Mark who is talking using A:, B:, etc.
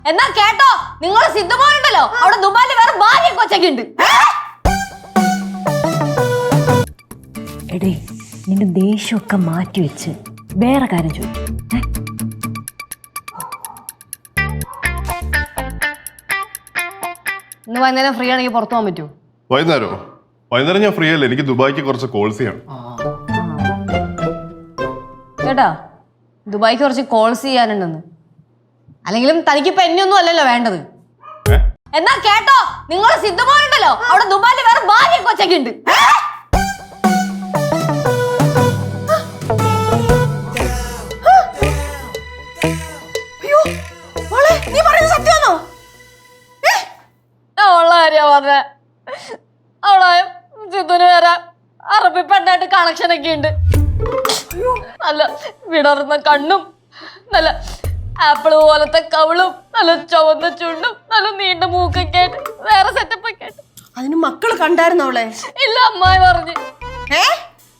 A: എന്നാ കേട്ടോ, നിങ്ങളെ സിദ്ധമോളുണ്ടല്ലോ അവിടെ ദുബായില് വേറെ ഭാര്യ കൊച്ചൊക്കെ ഉണ്ട്.
B: എടേ, നിന്റെ ദേഷ്യമൊക്കെ മാറ്റി വെച്ച് വേറെ കാര്യം ചോദിക്കും.
A: ഇന്ന് വൈകുന്നേരം ഫ്രീ ആണെങ്കിൽ പുറത്തു പോകാൻ പറ്റുമോ?
C: വൈകുന്നേരം ഞാൻ ഫ്രീ അല്ലേ, എനിക്ക് ദുബായിക്ക് കുറച്ച് കോൾസ് ചെയ്യണം.
A: കേട്ടാ, ദുബായിക്ക് കുറച്ച് കോൾസ് ചെയ്യാനുണ്ടെന്ന്. അല്ലെങ്കിലും തനിക്കിപ്പോ എന്നെയൊന്നും അല്ലല്ലോ വേണ്ടത്. എന്നാ കേട്ടോ, നിങ്ങളെ സിദ്ധമോളുണ്ടല്ലോ അവിടെ ദുബായില് വേറെ ഭാര്യ കൊച്ചൊക്കെ ഉണ്ട്. ഉള്ള കാര്യ പറഞ്ഞ അവളെ സിദ്ധുന് വരാൻ അറബി പെണ്ണായിട്ട് കണക്ഷൻ ഒക്കെ ഉണ്ട്. നല്ല വിടർന്ന കണ്ണും നല്ല ആപ്പിള് പോലത്തെ കവിളും നല്ല ചുവന്ന ചുണ്ടും നല്ല നീണ്ട മൂക്കൊക്കെ ആയിട്ട് വേറെ സെറ്റപ്പ് ഒക്കെ ആയിട്ട്.
D: അതിന് മക്കള് കണ്ടായിരുന്നോ അവളെ?
A: ഇല്ല, അമ്മായി പറഞ്ഞു.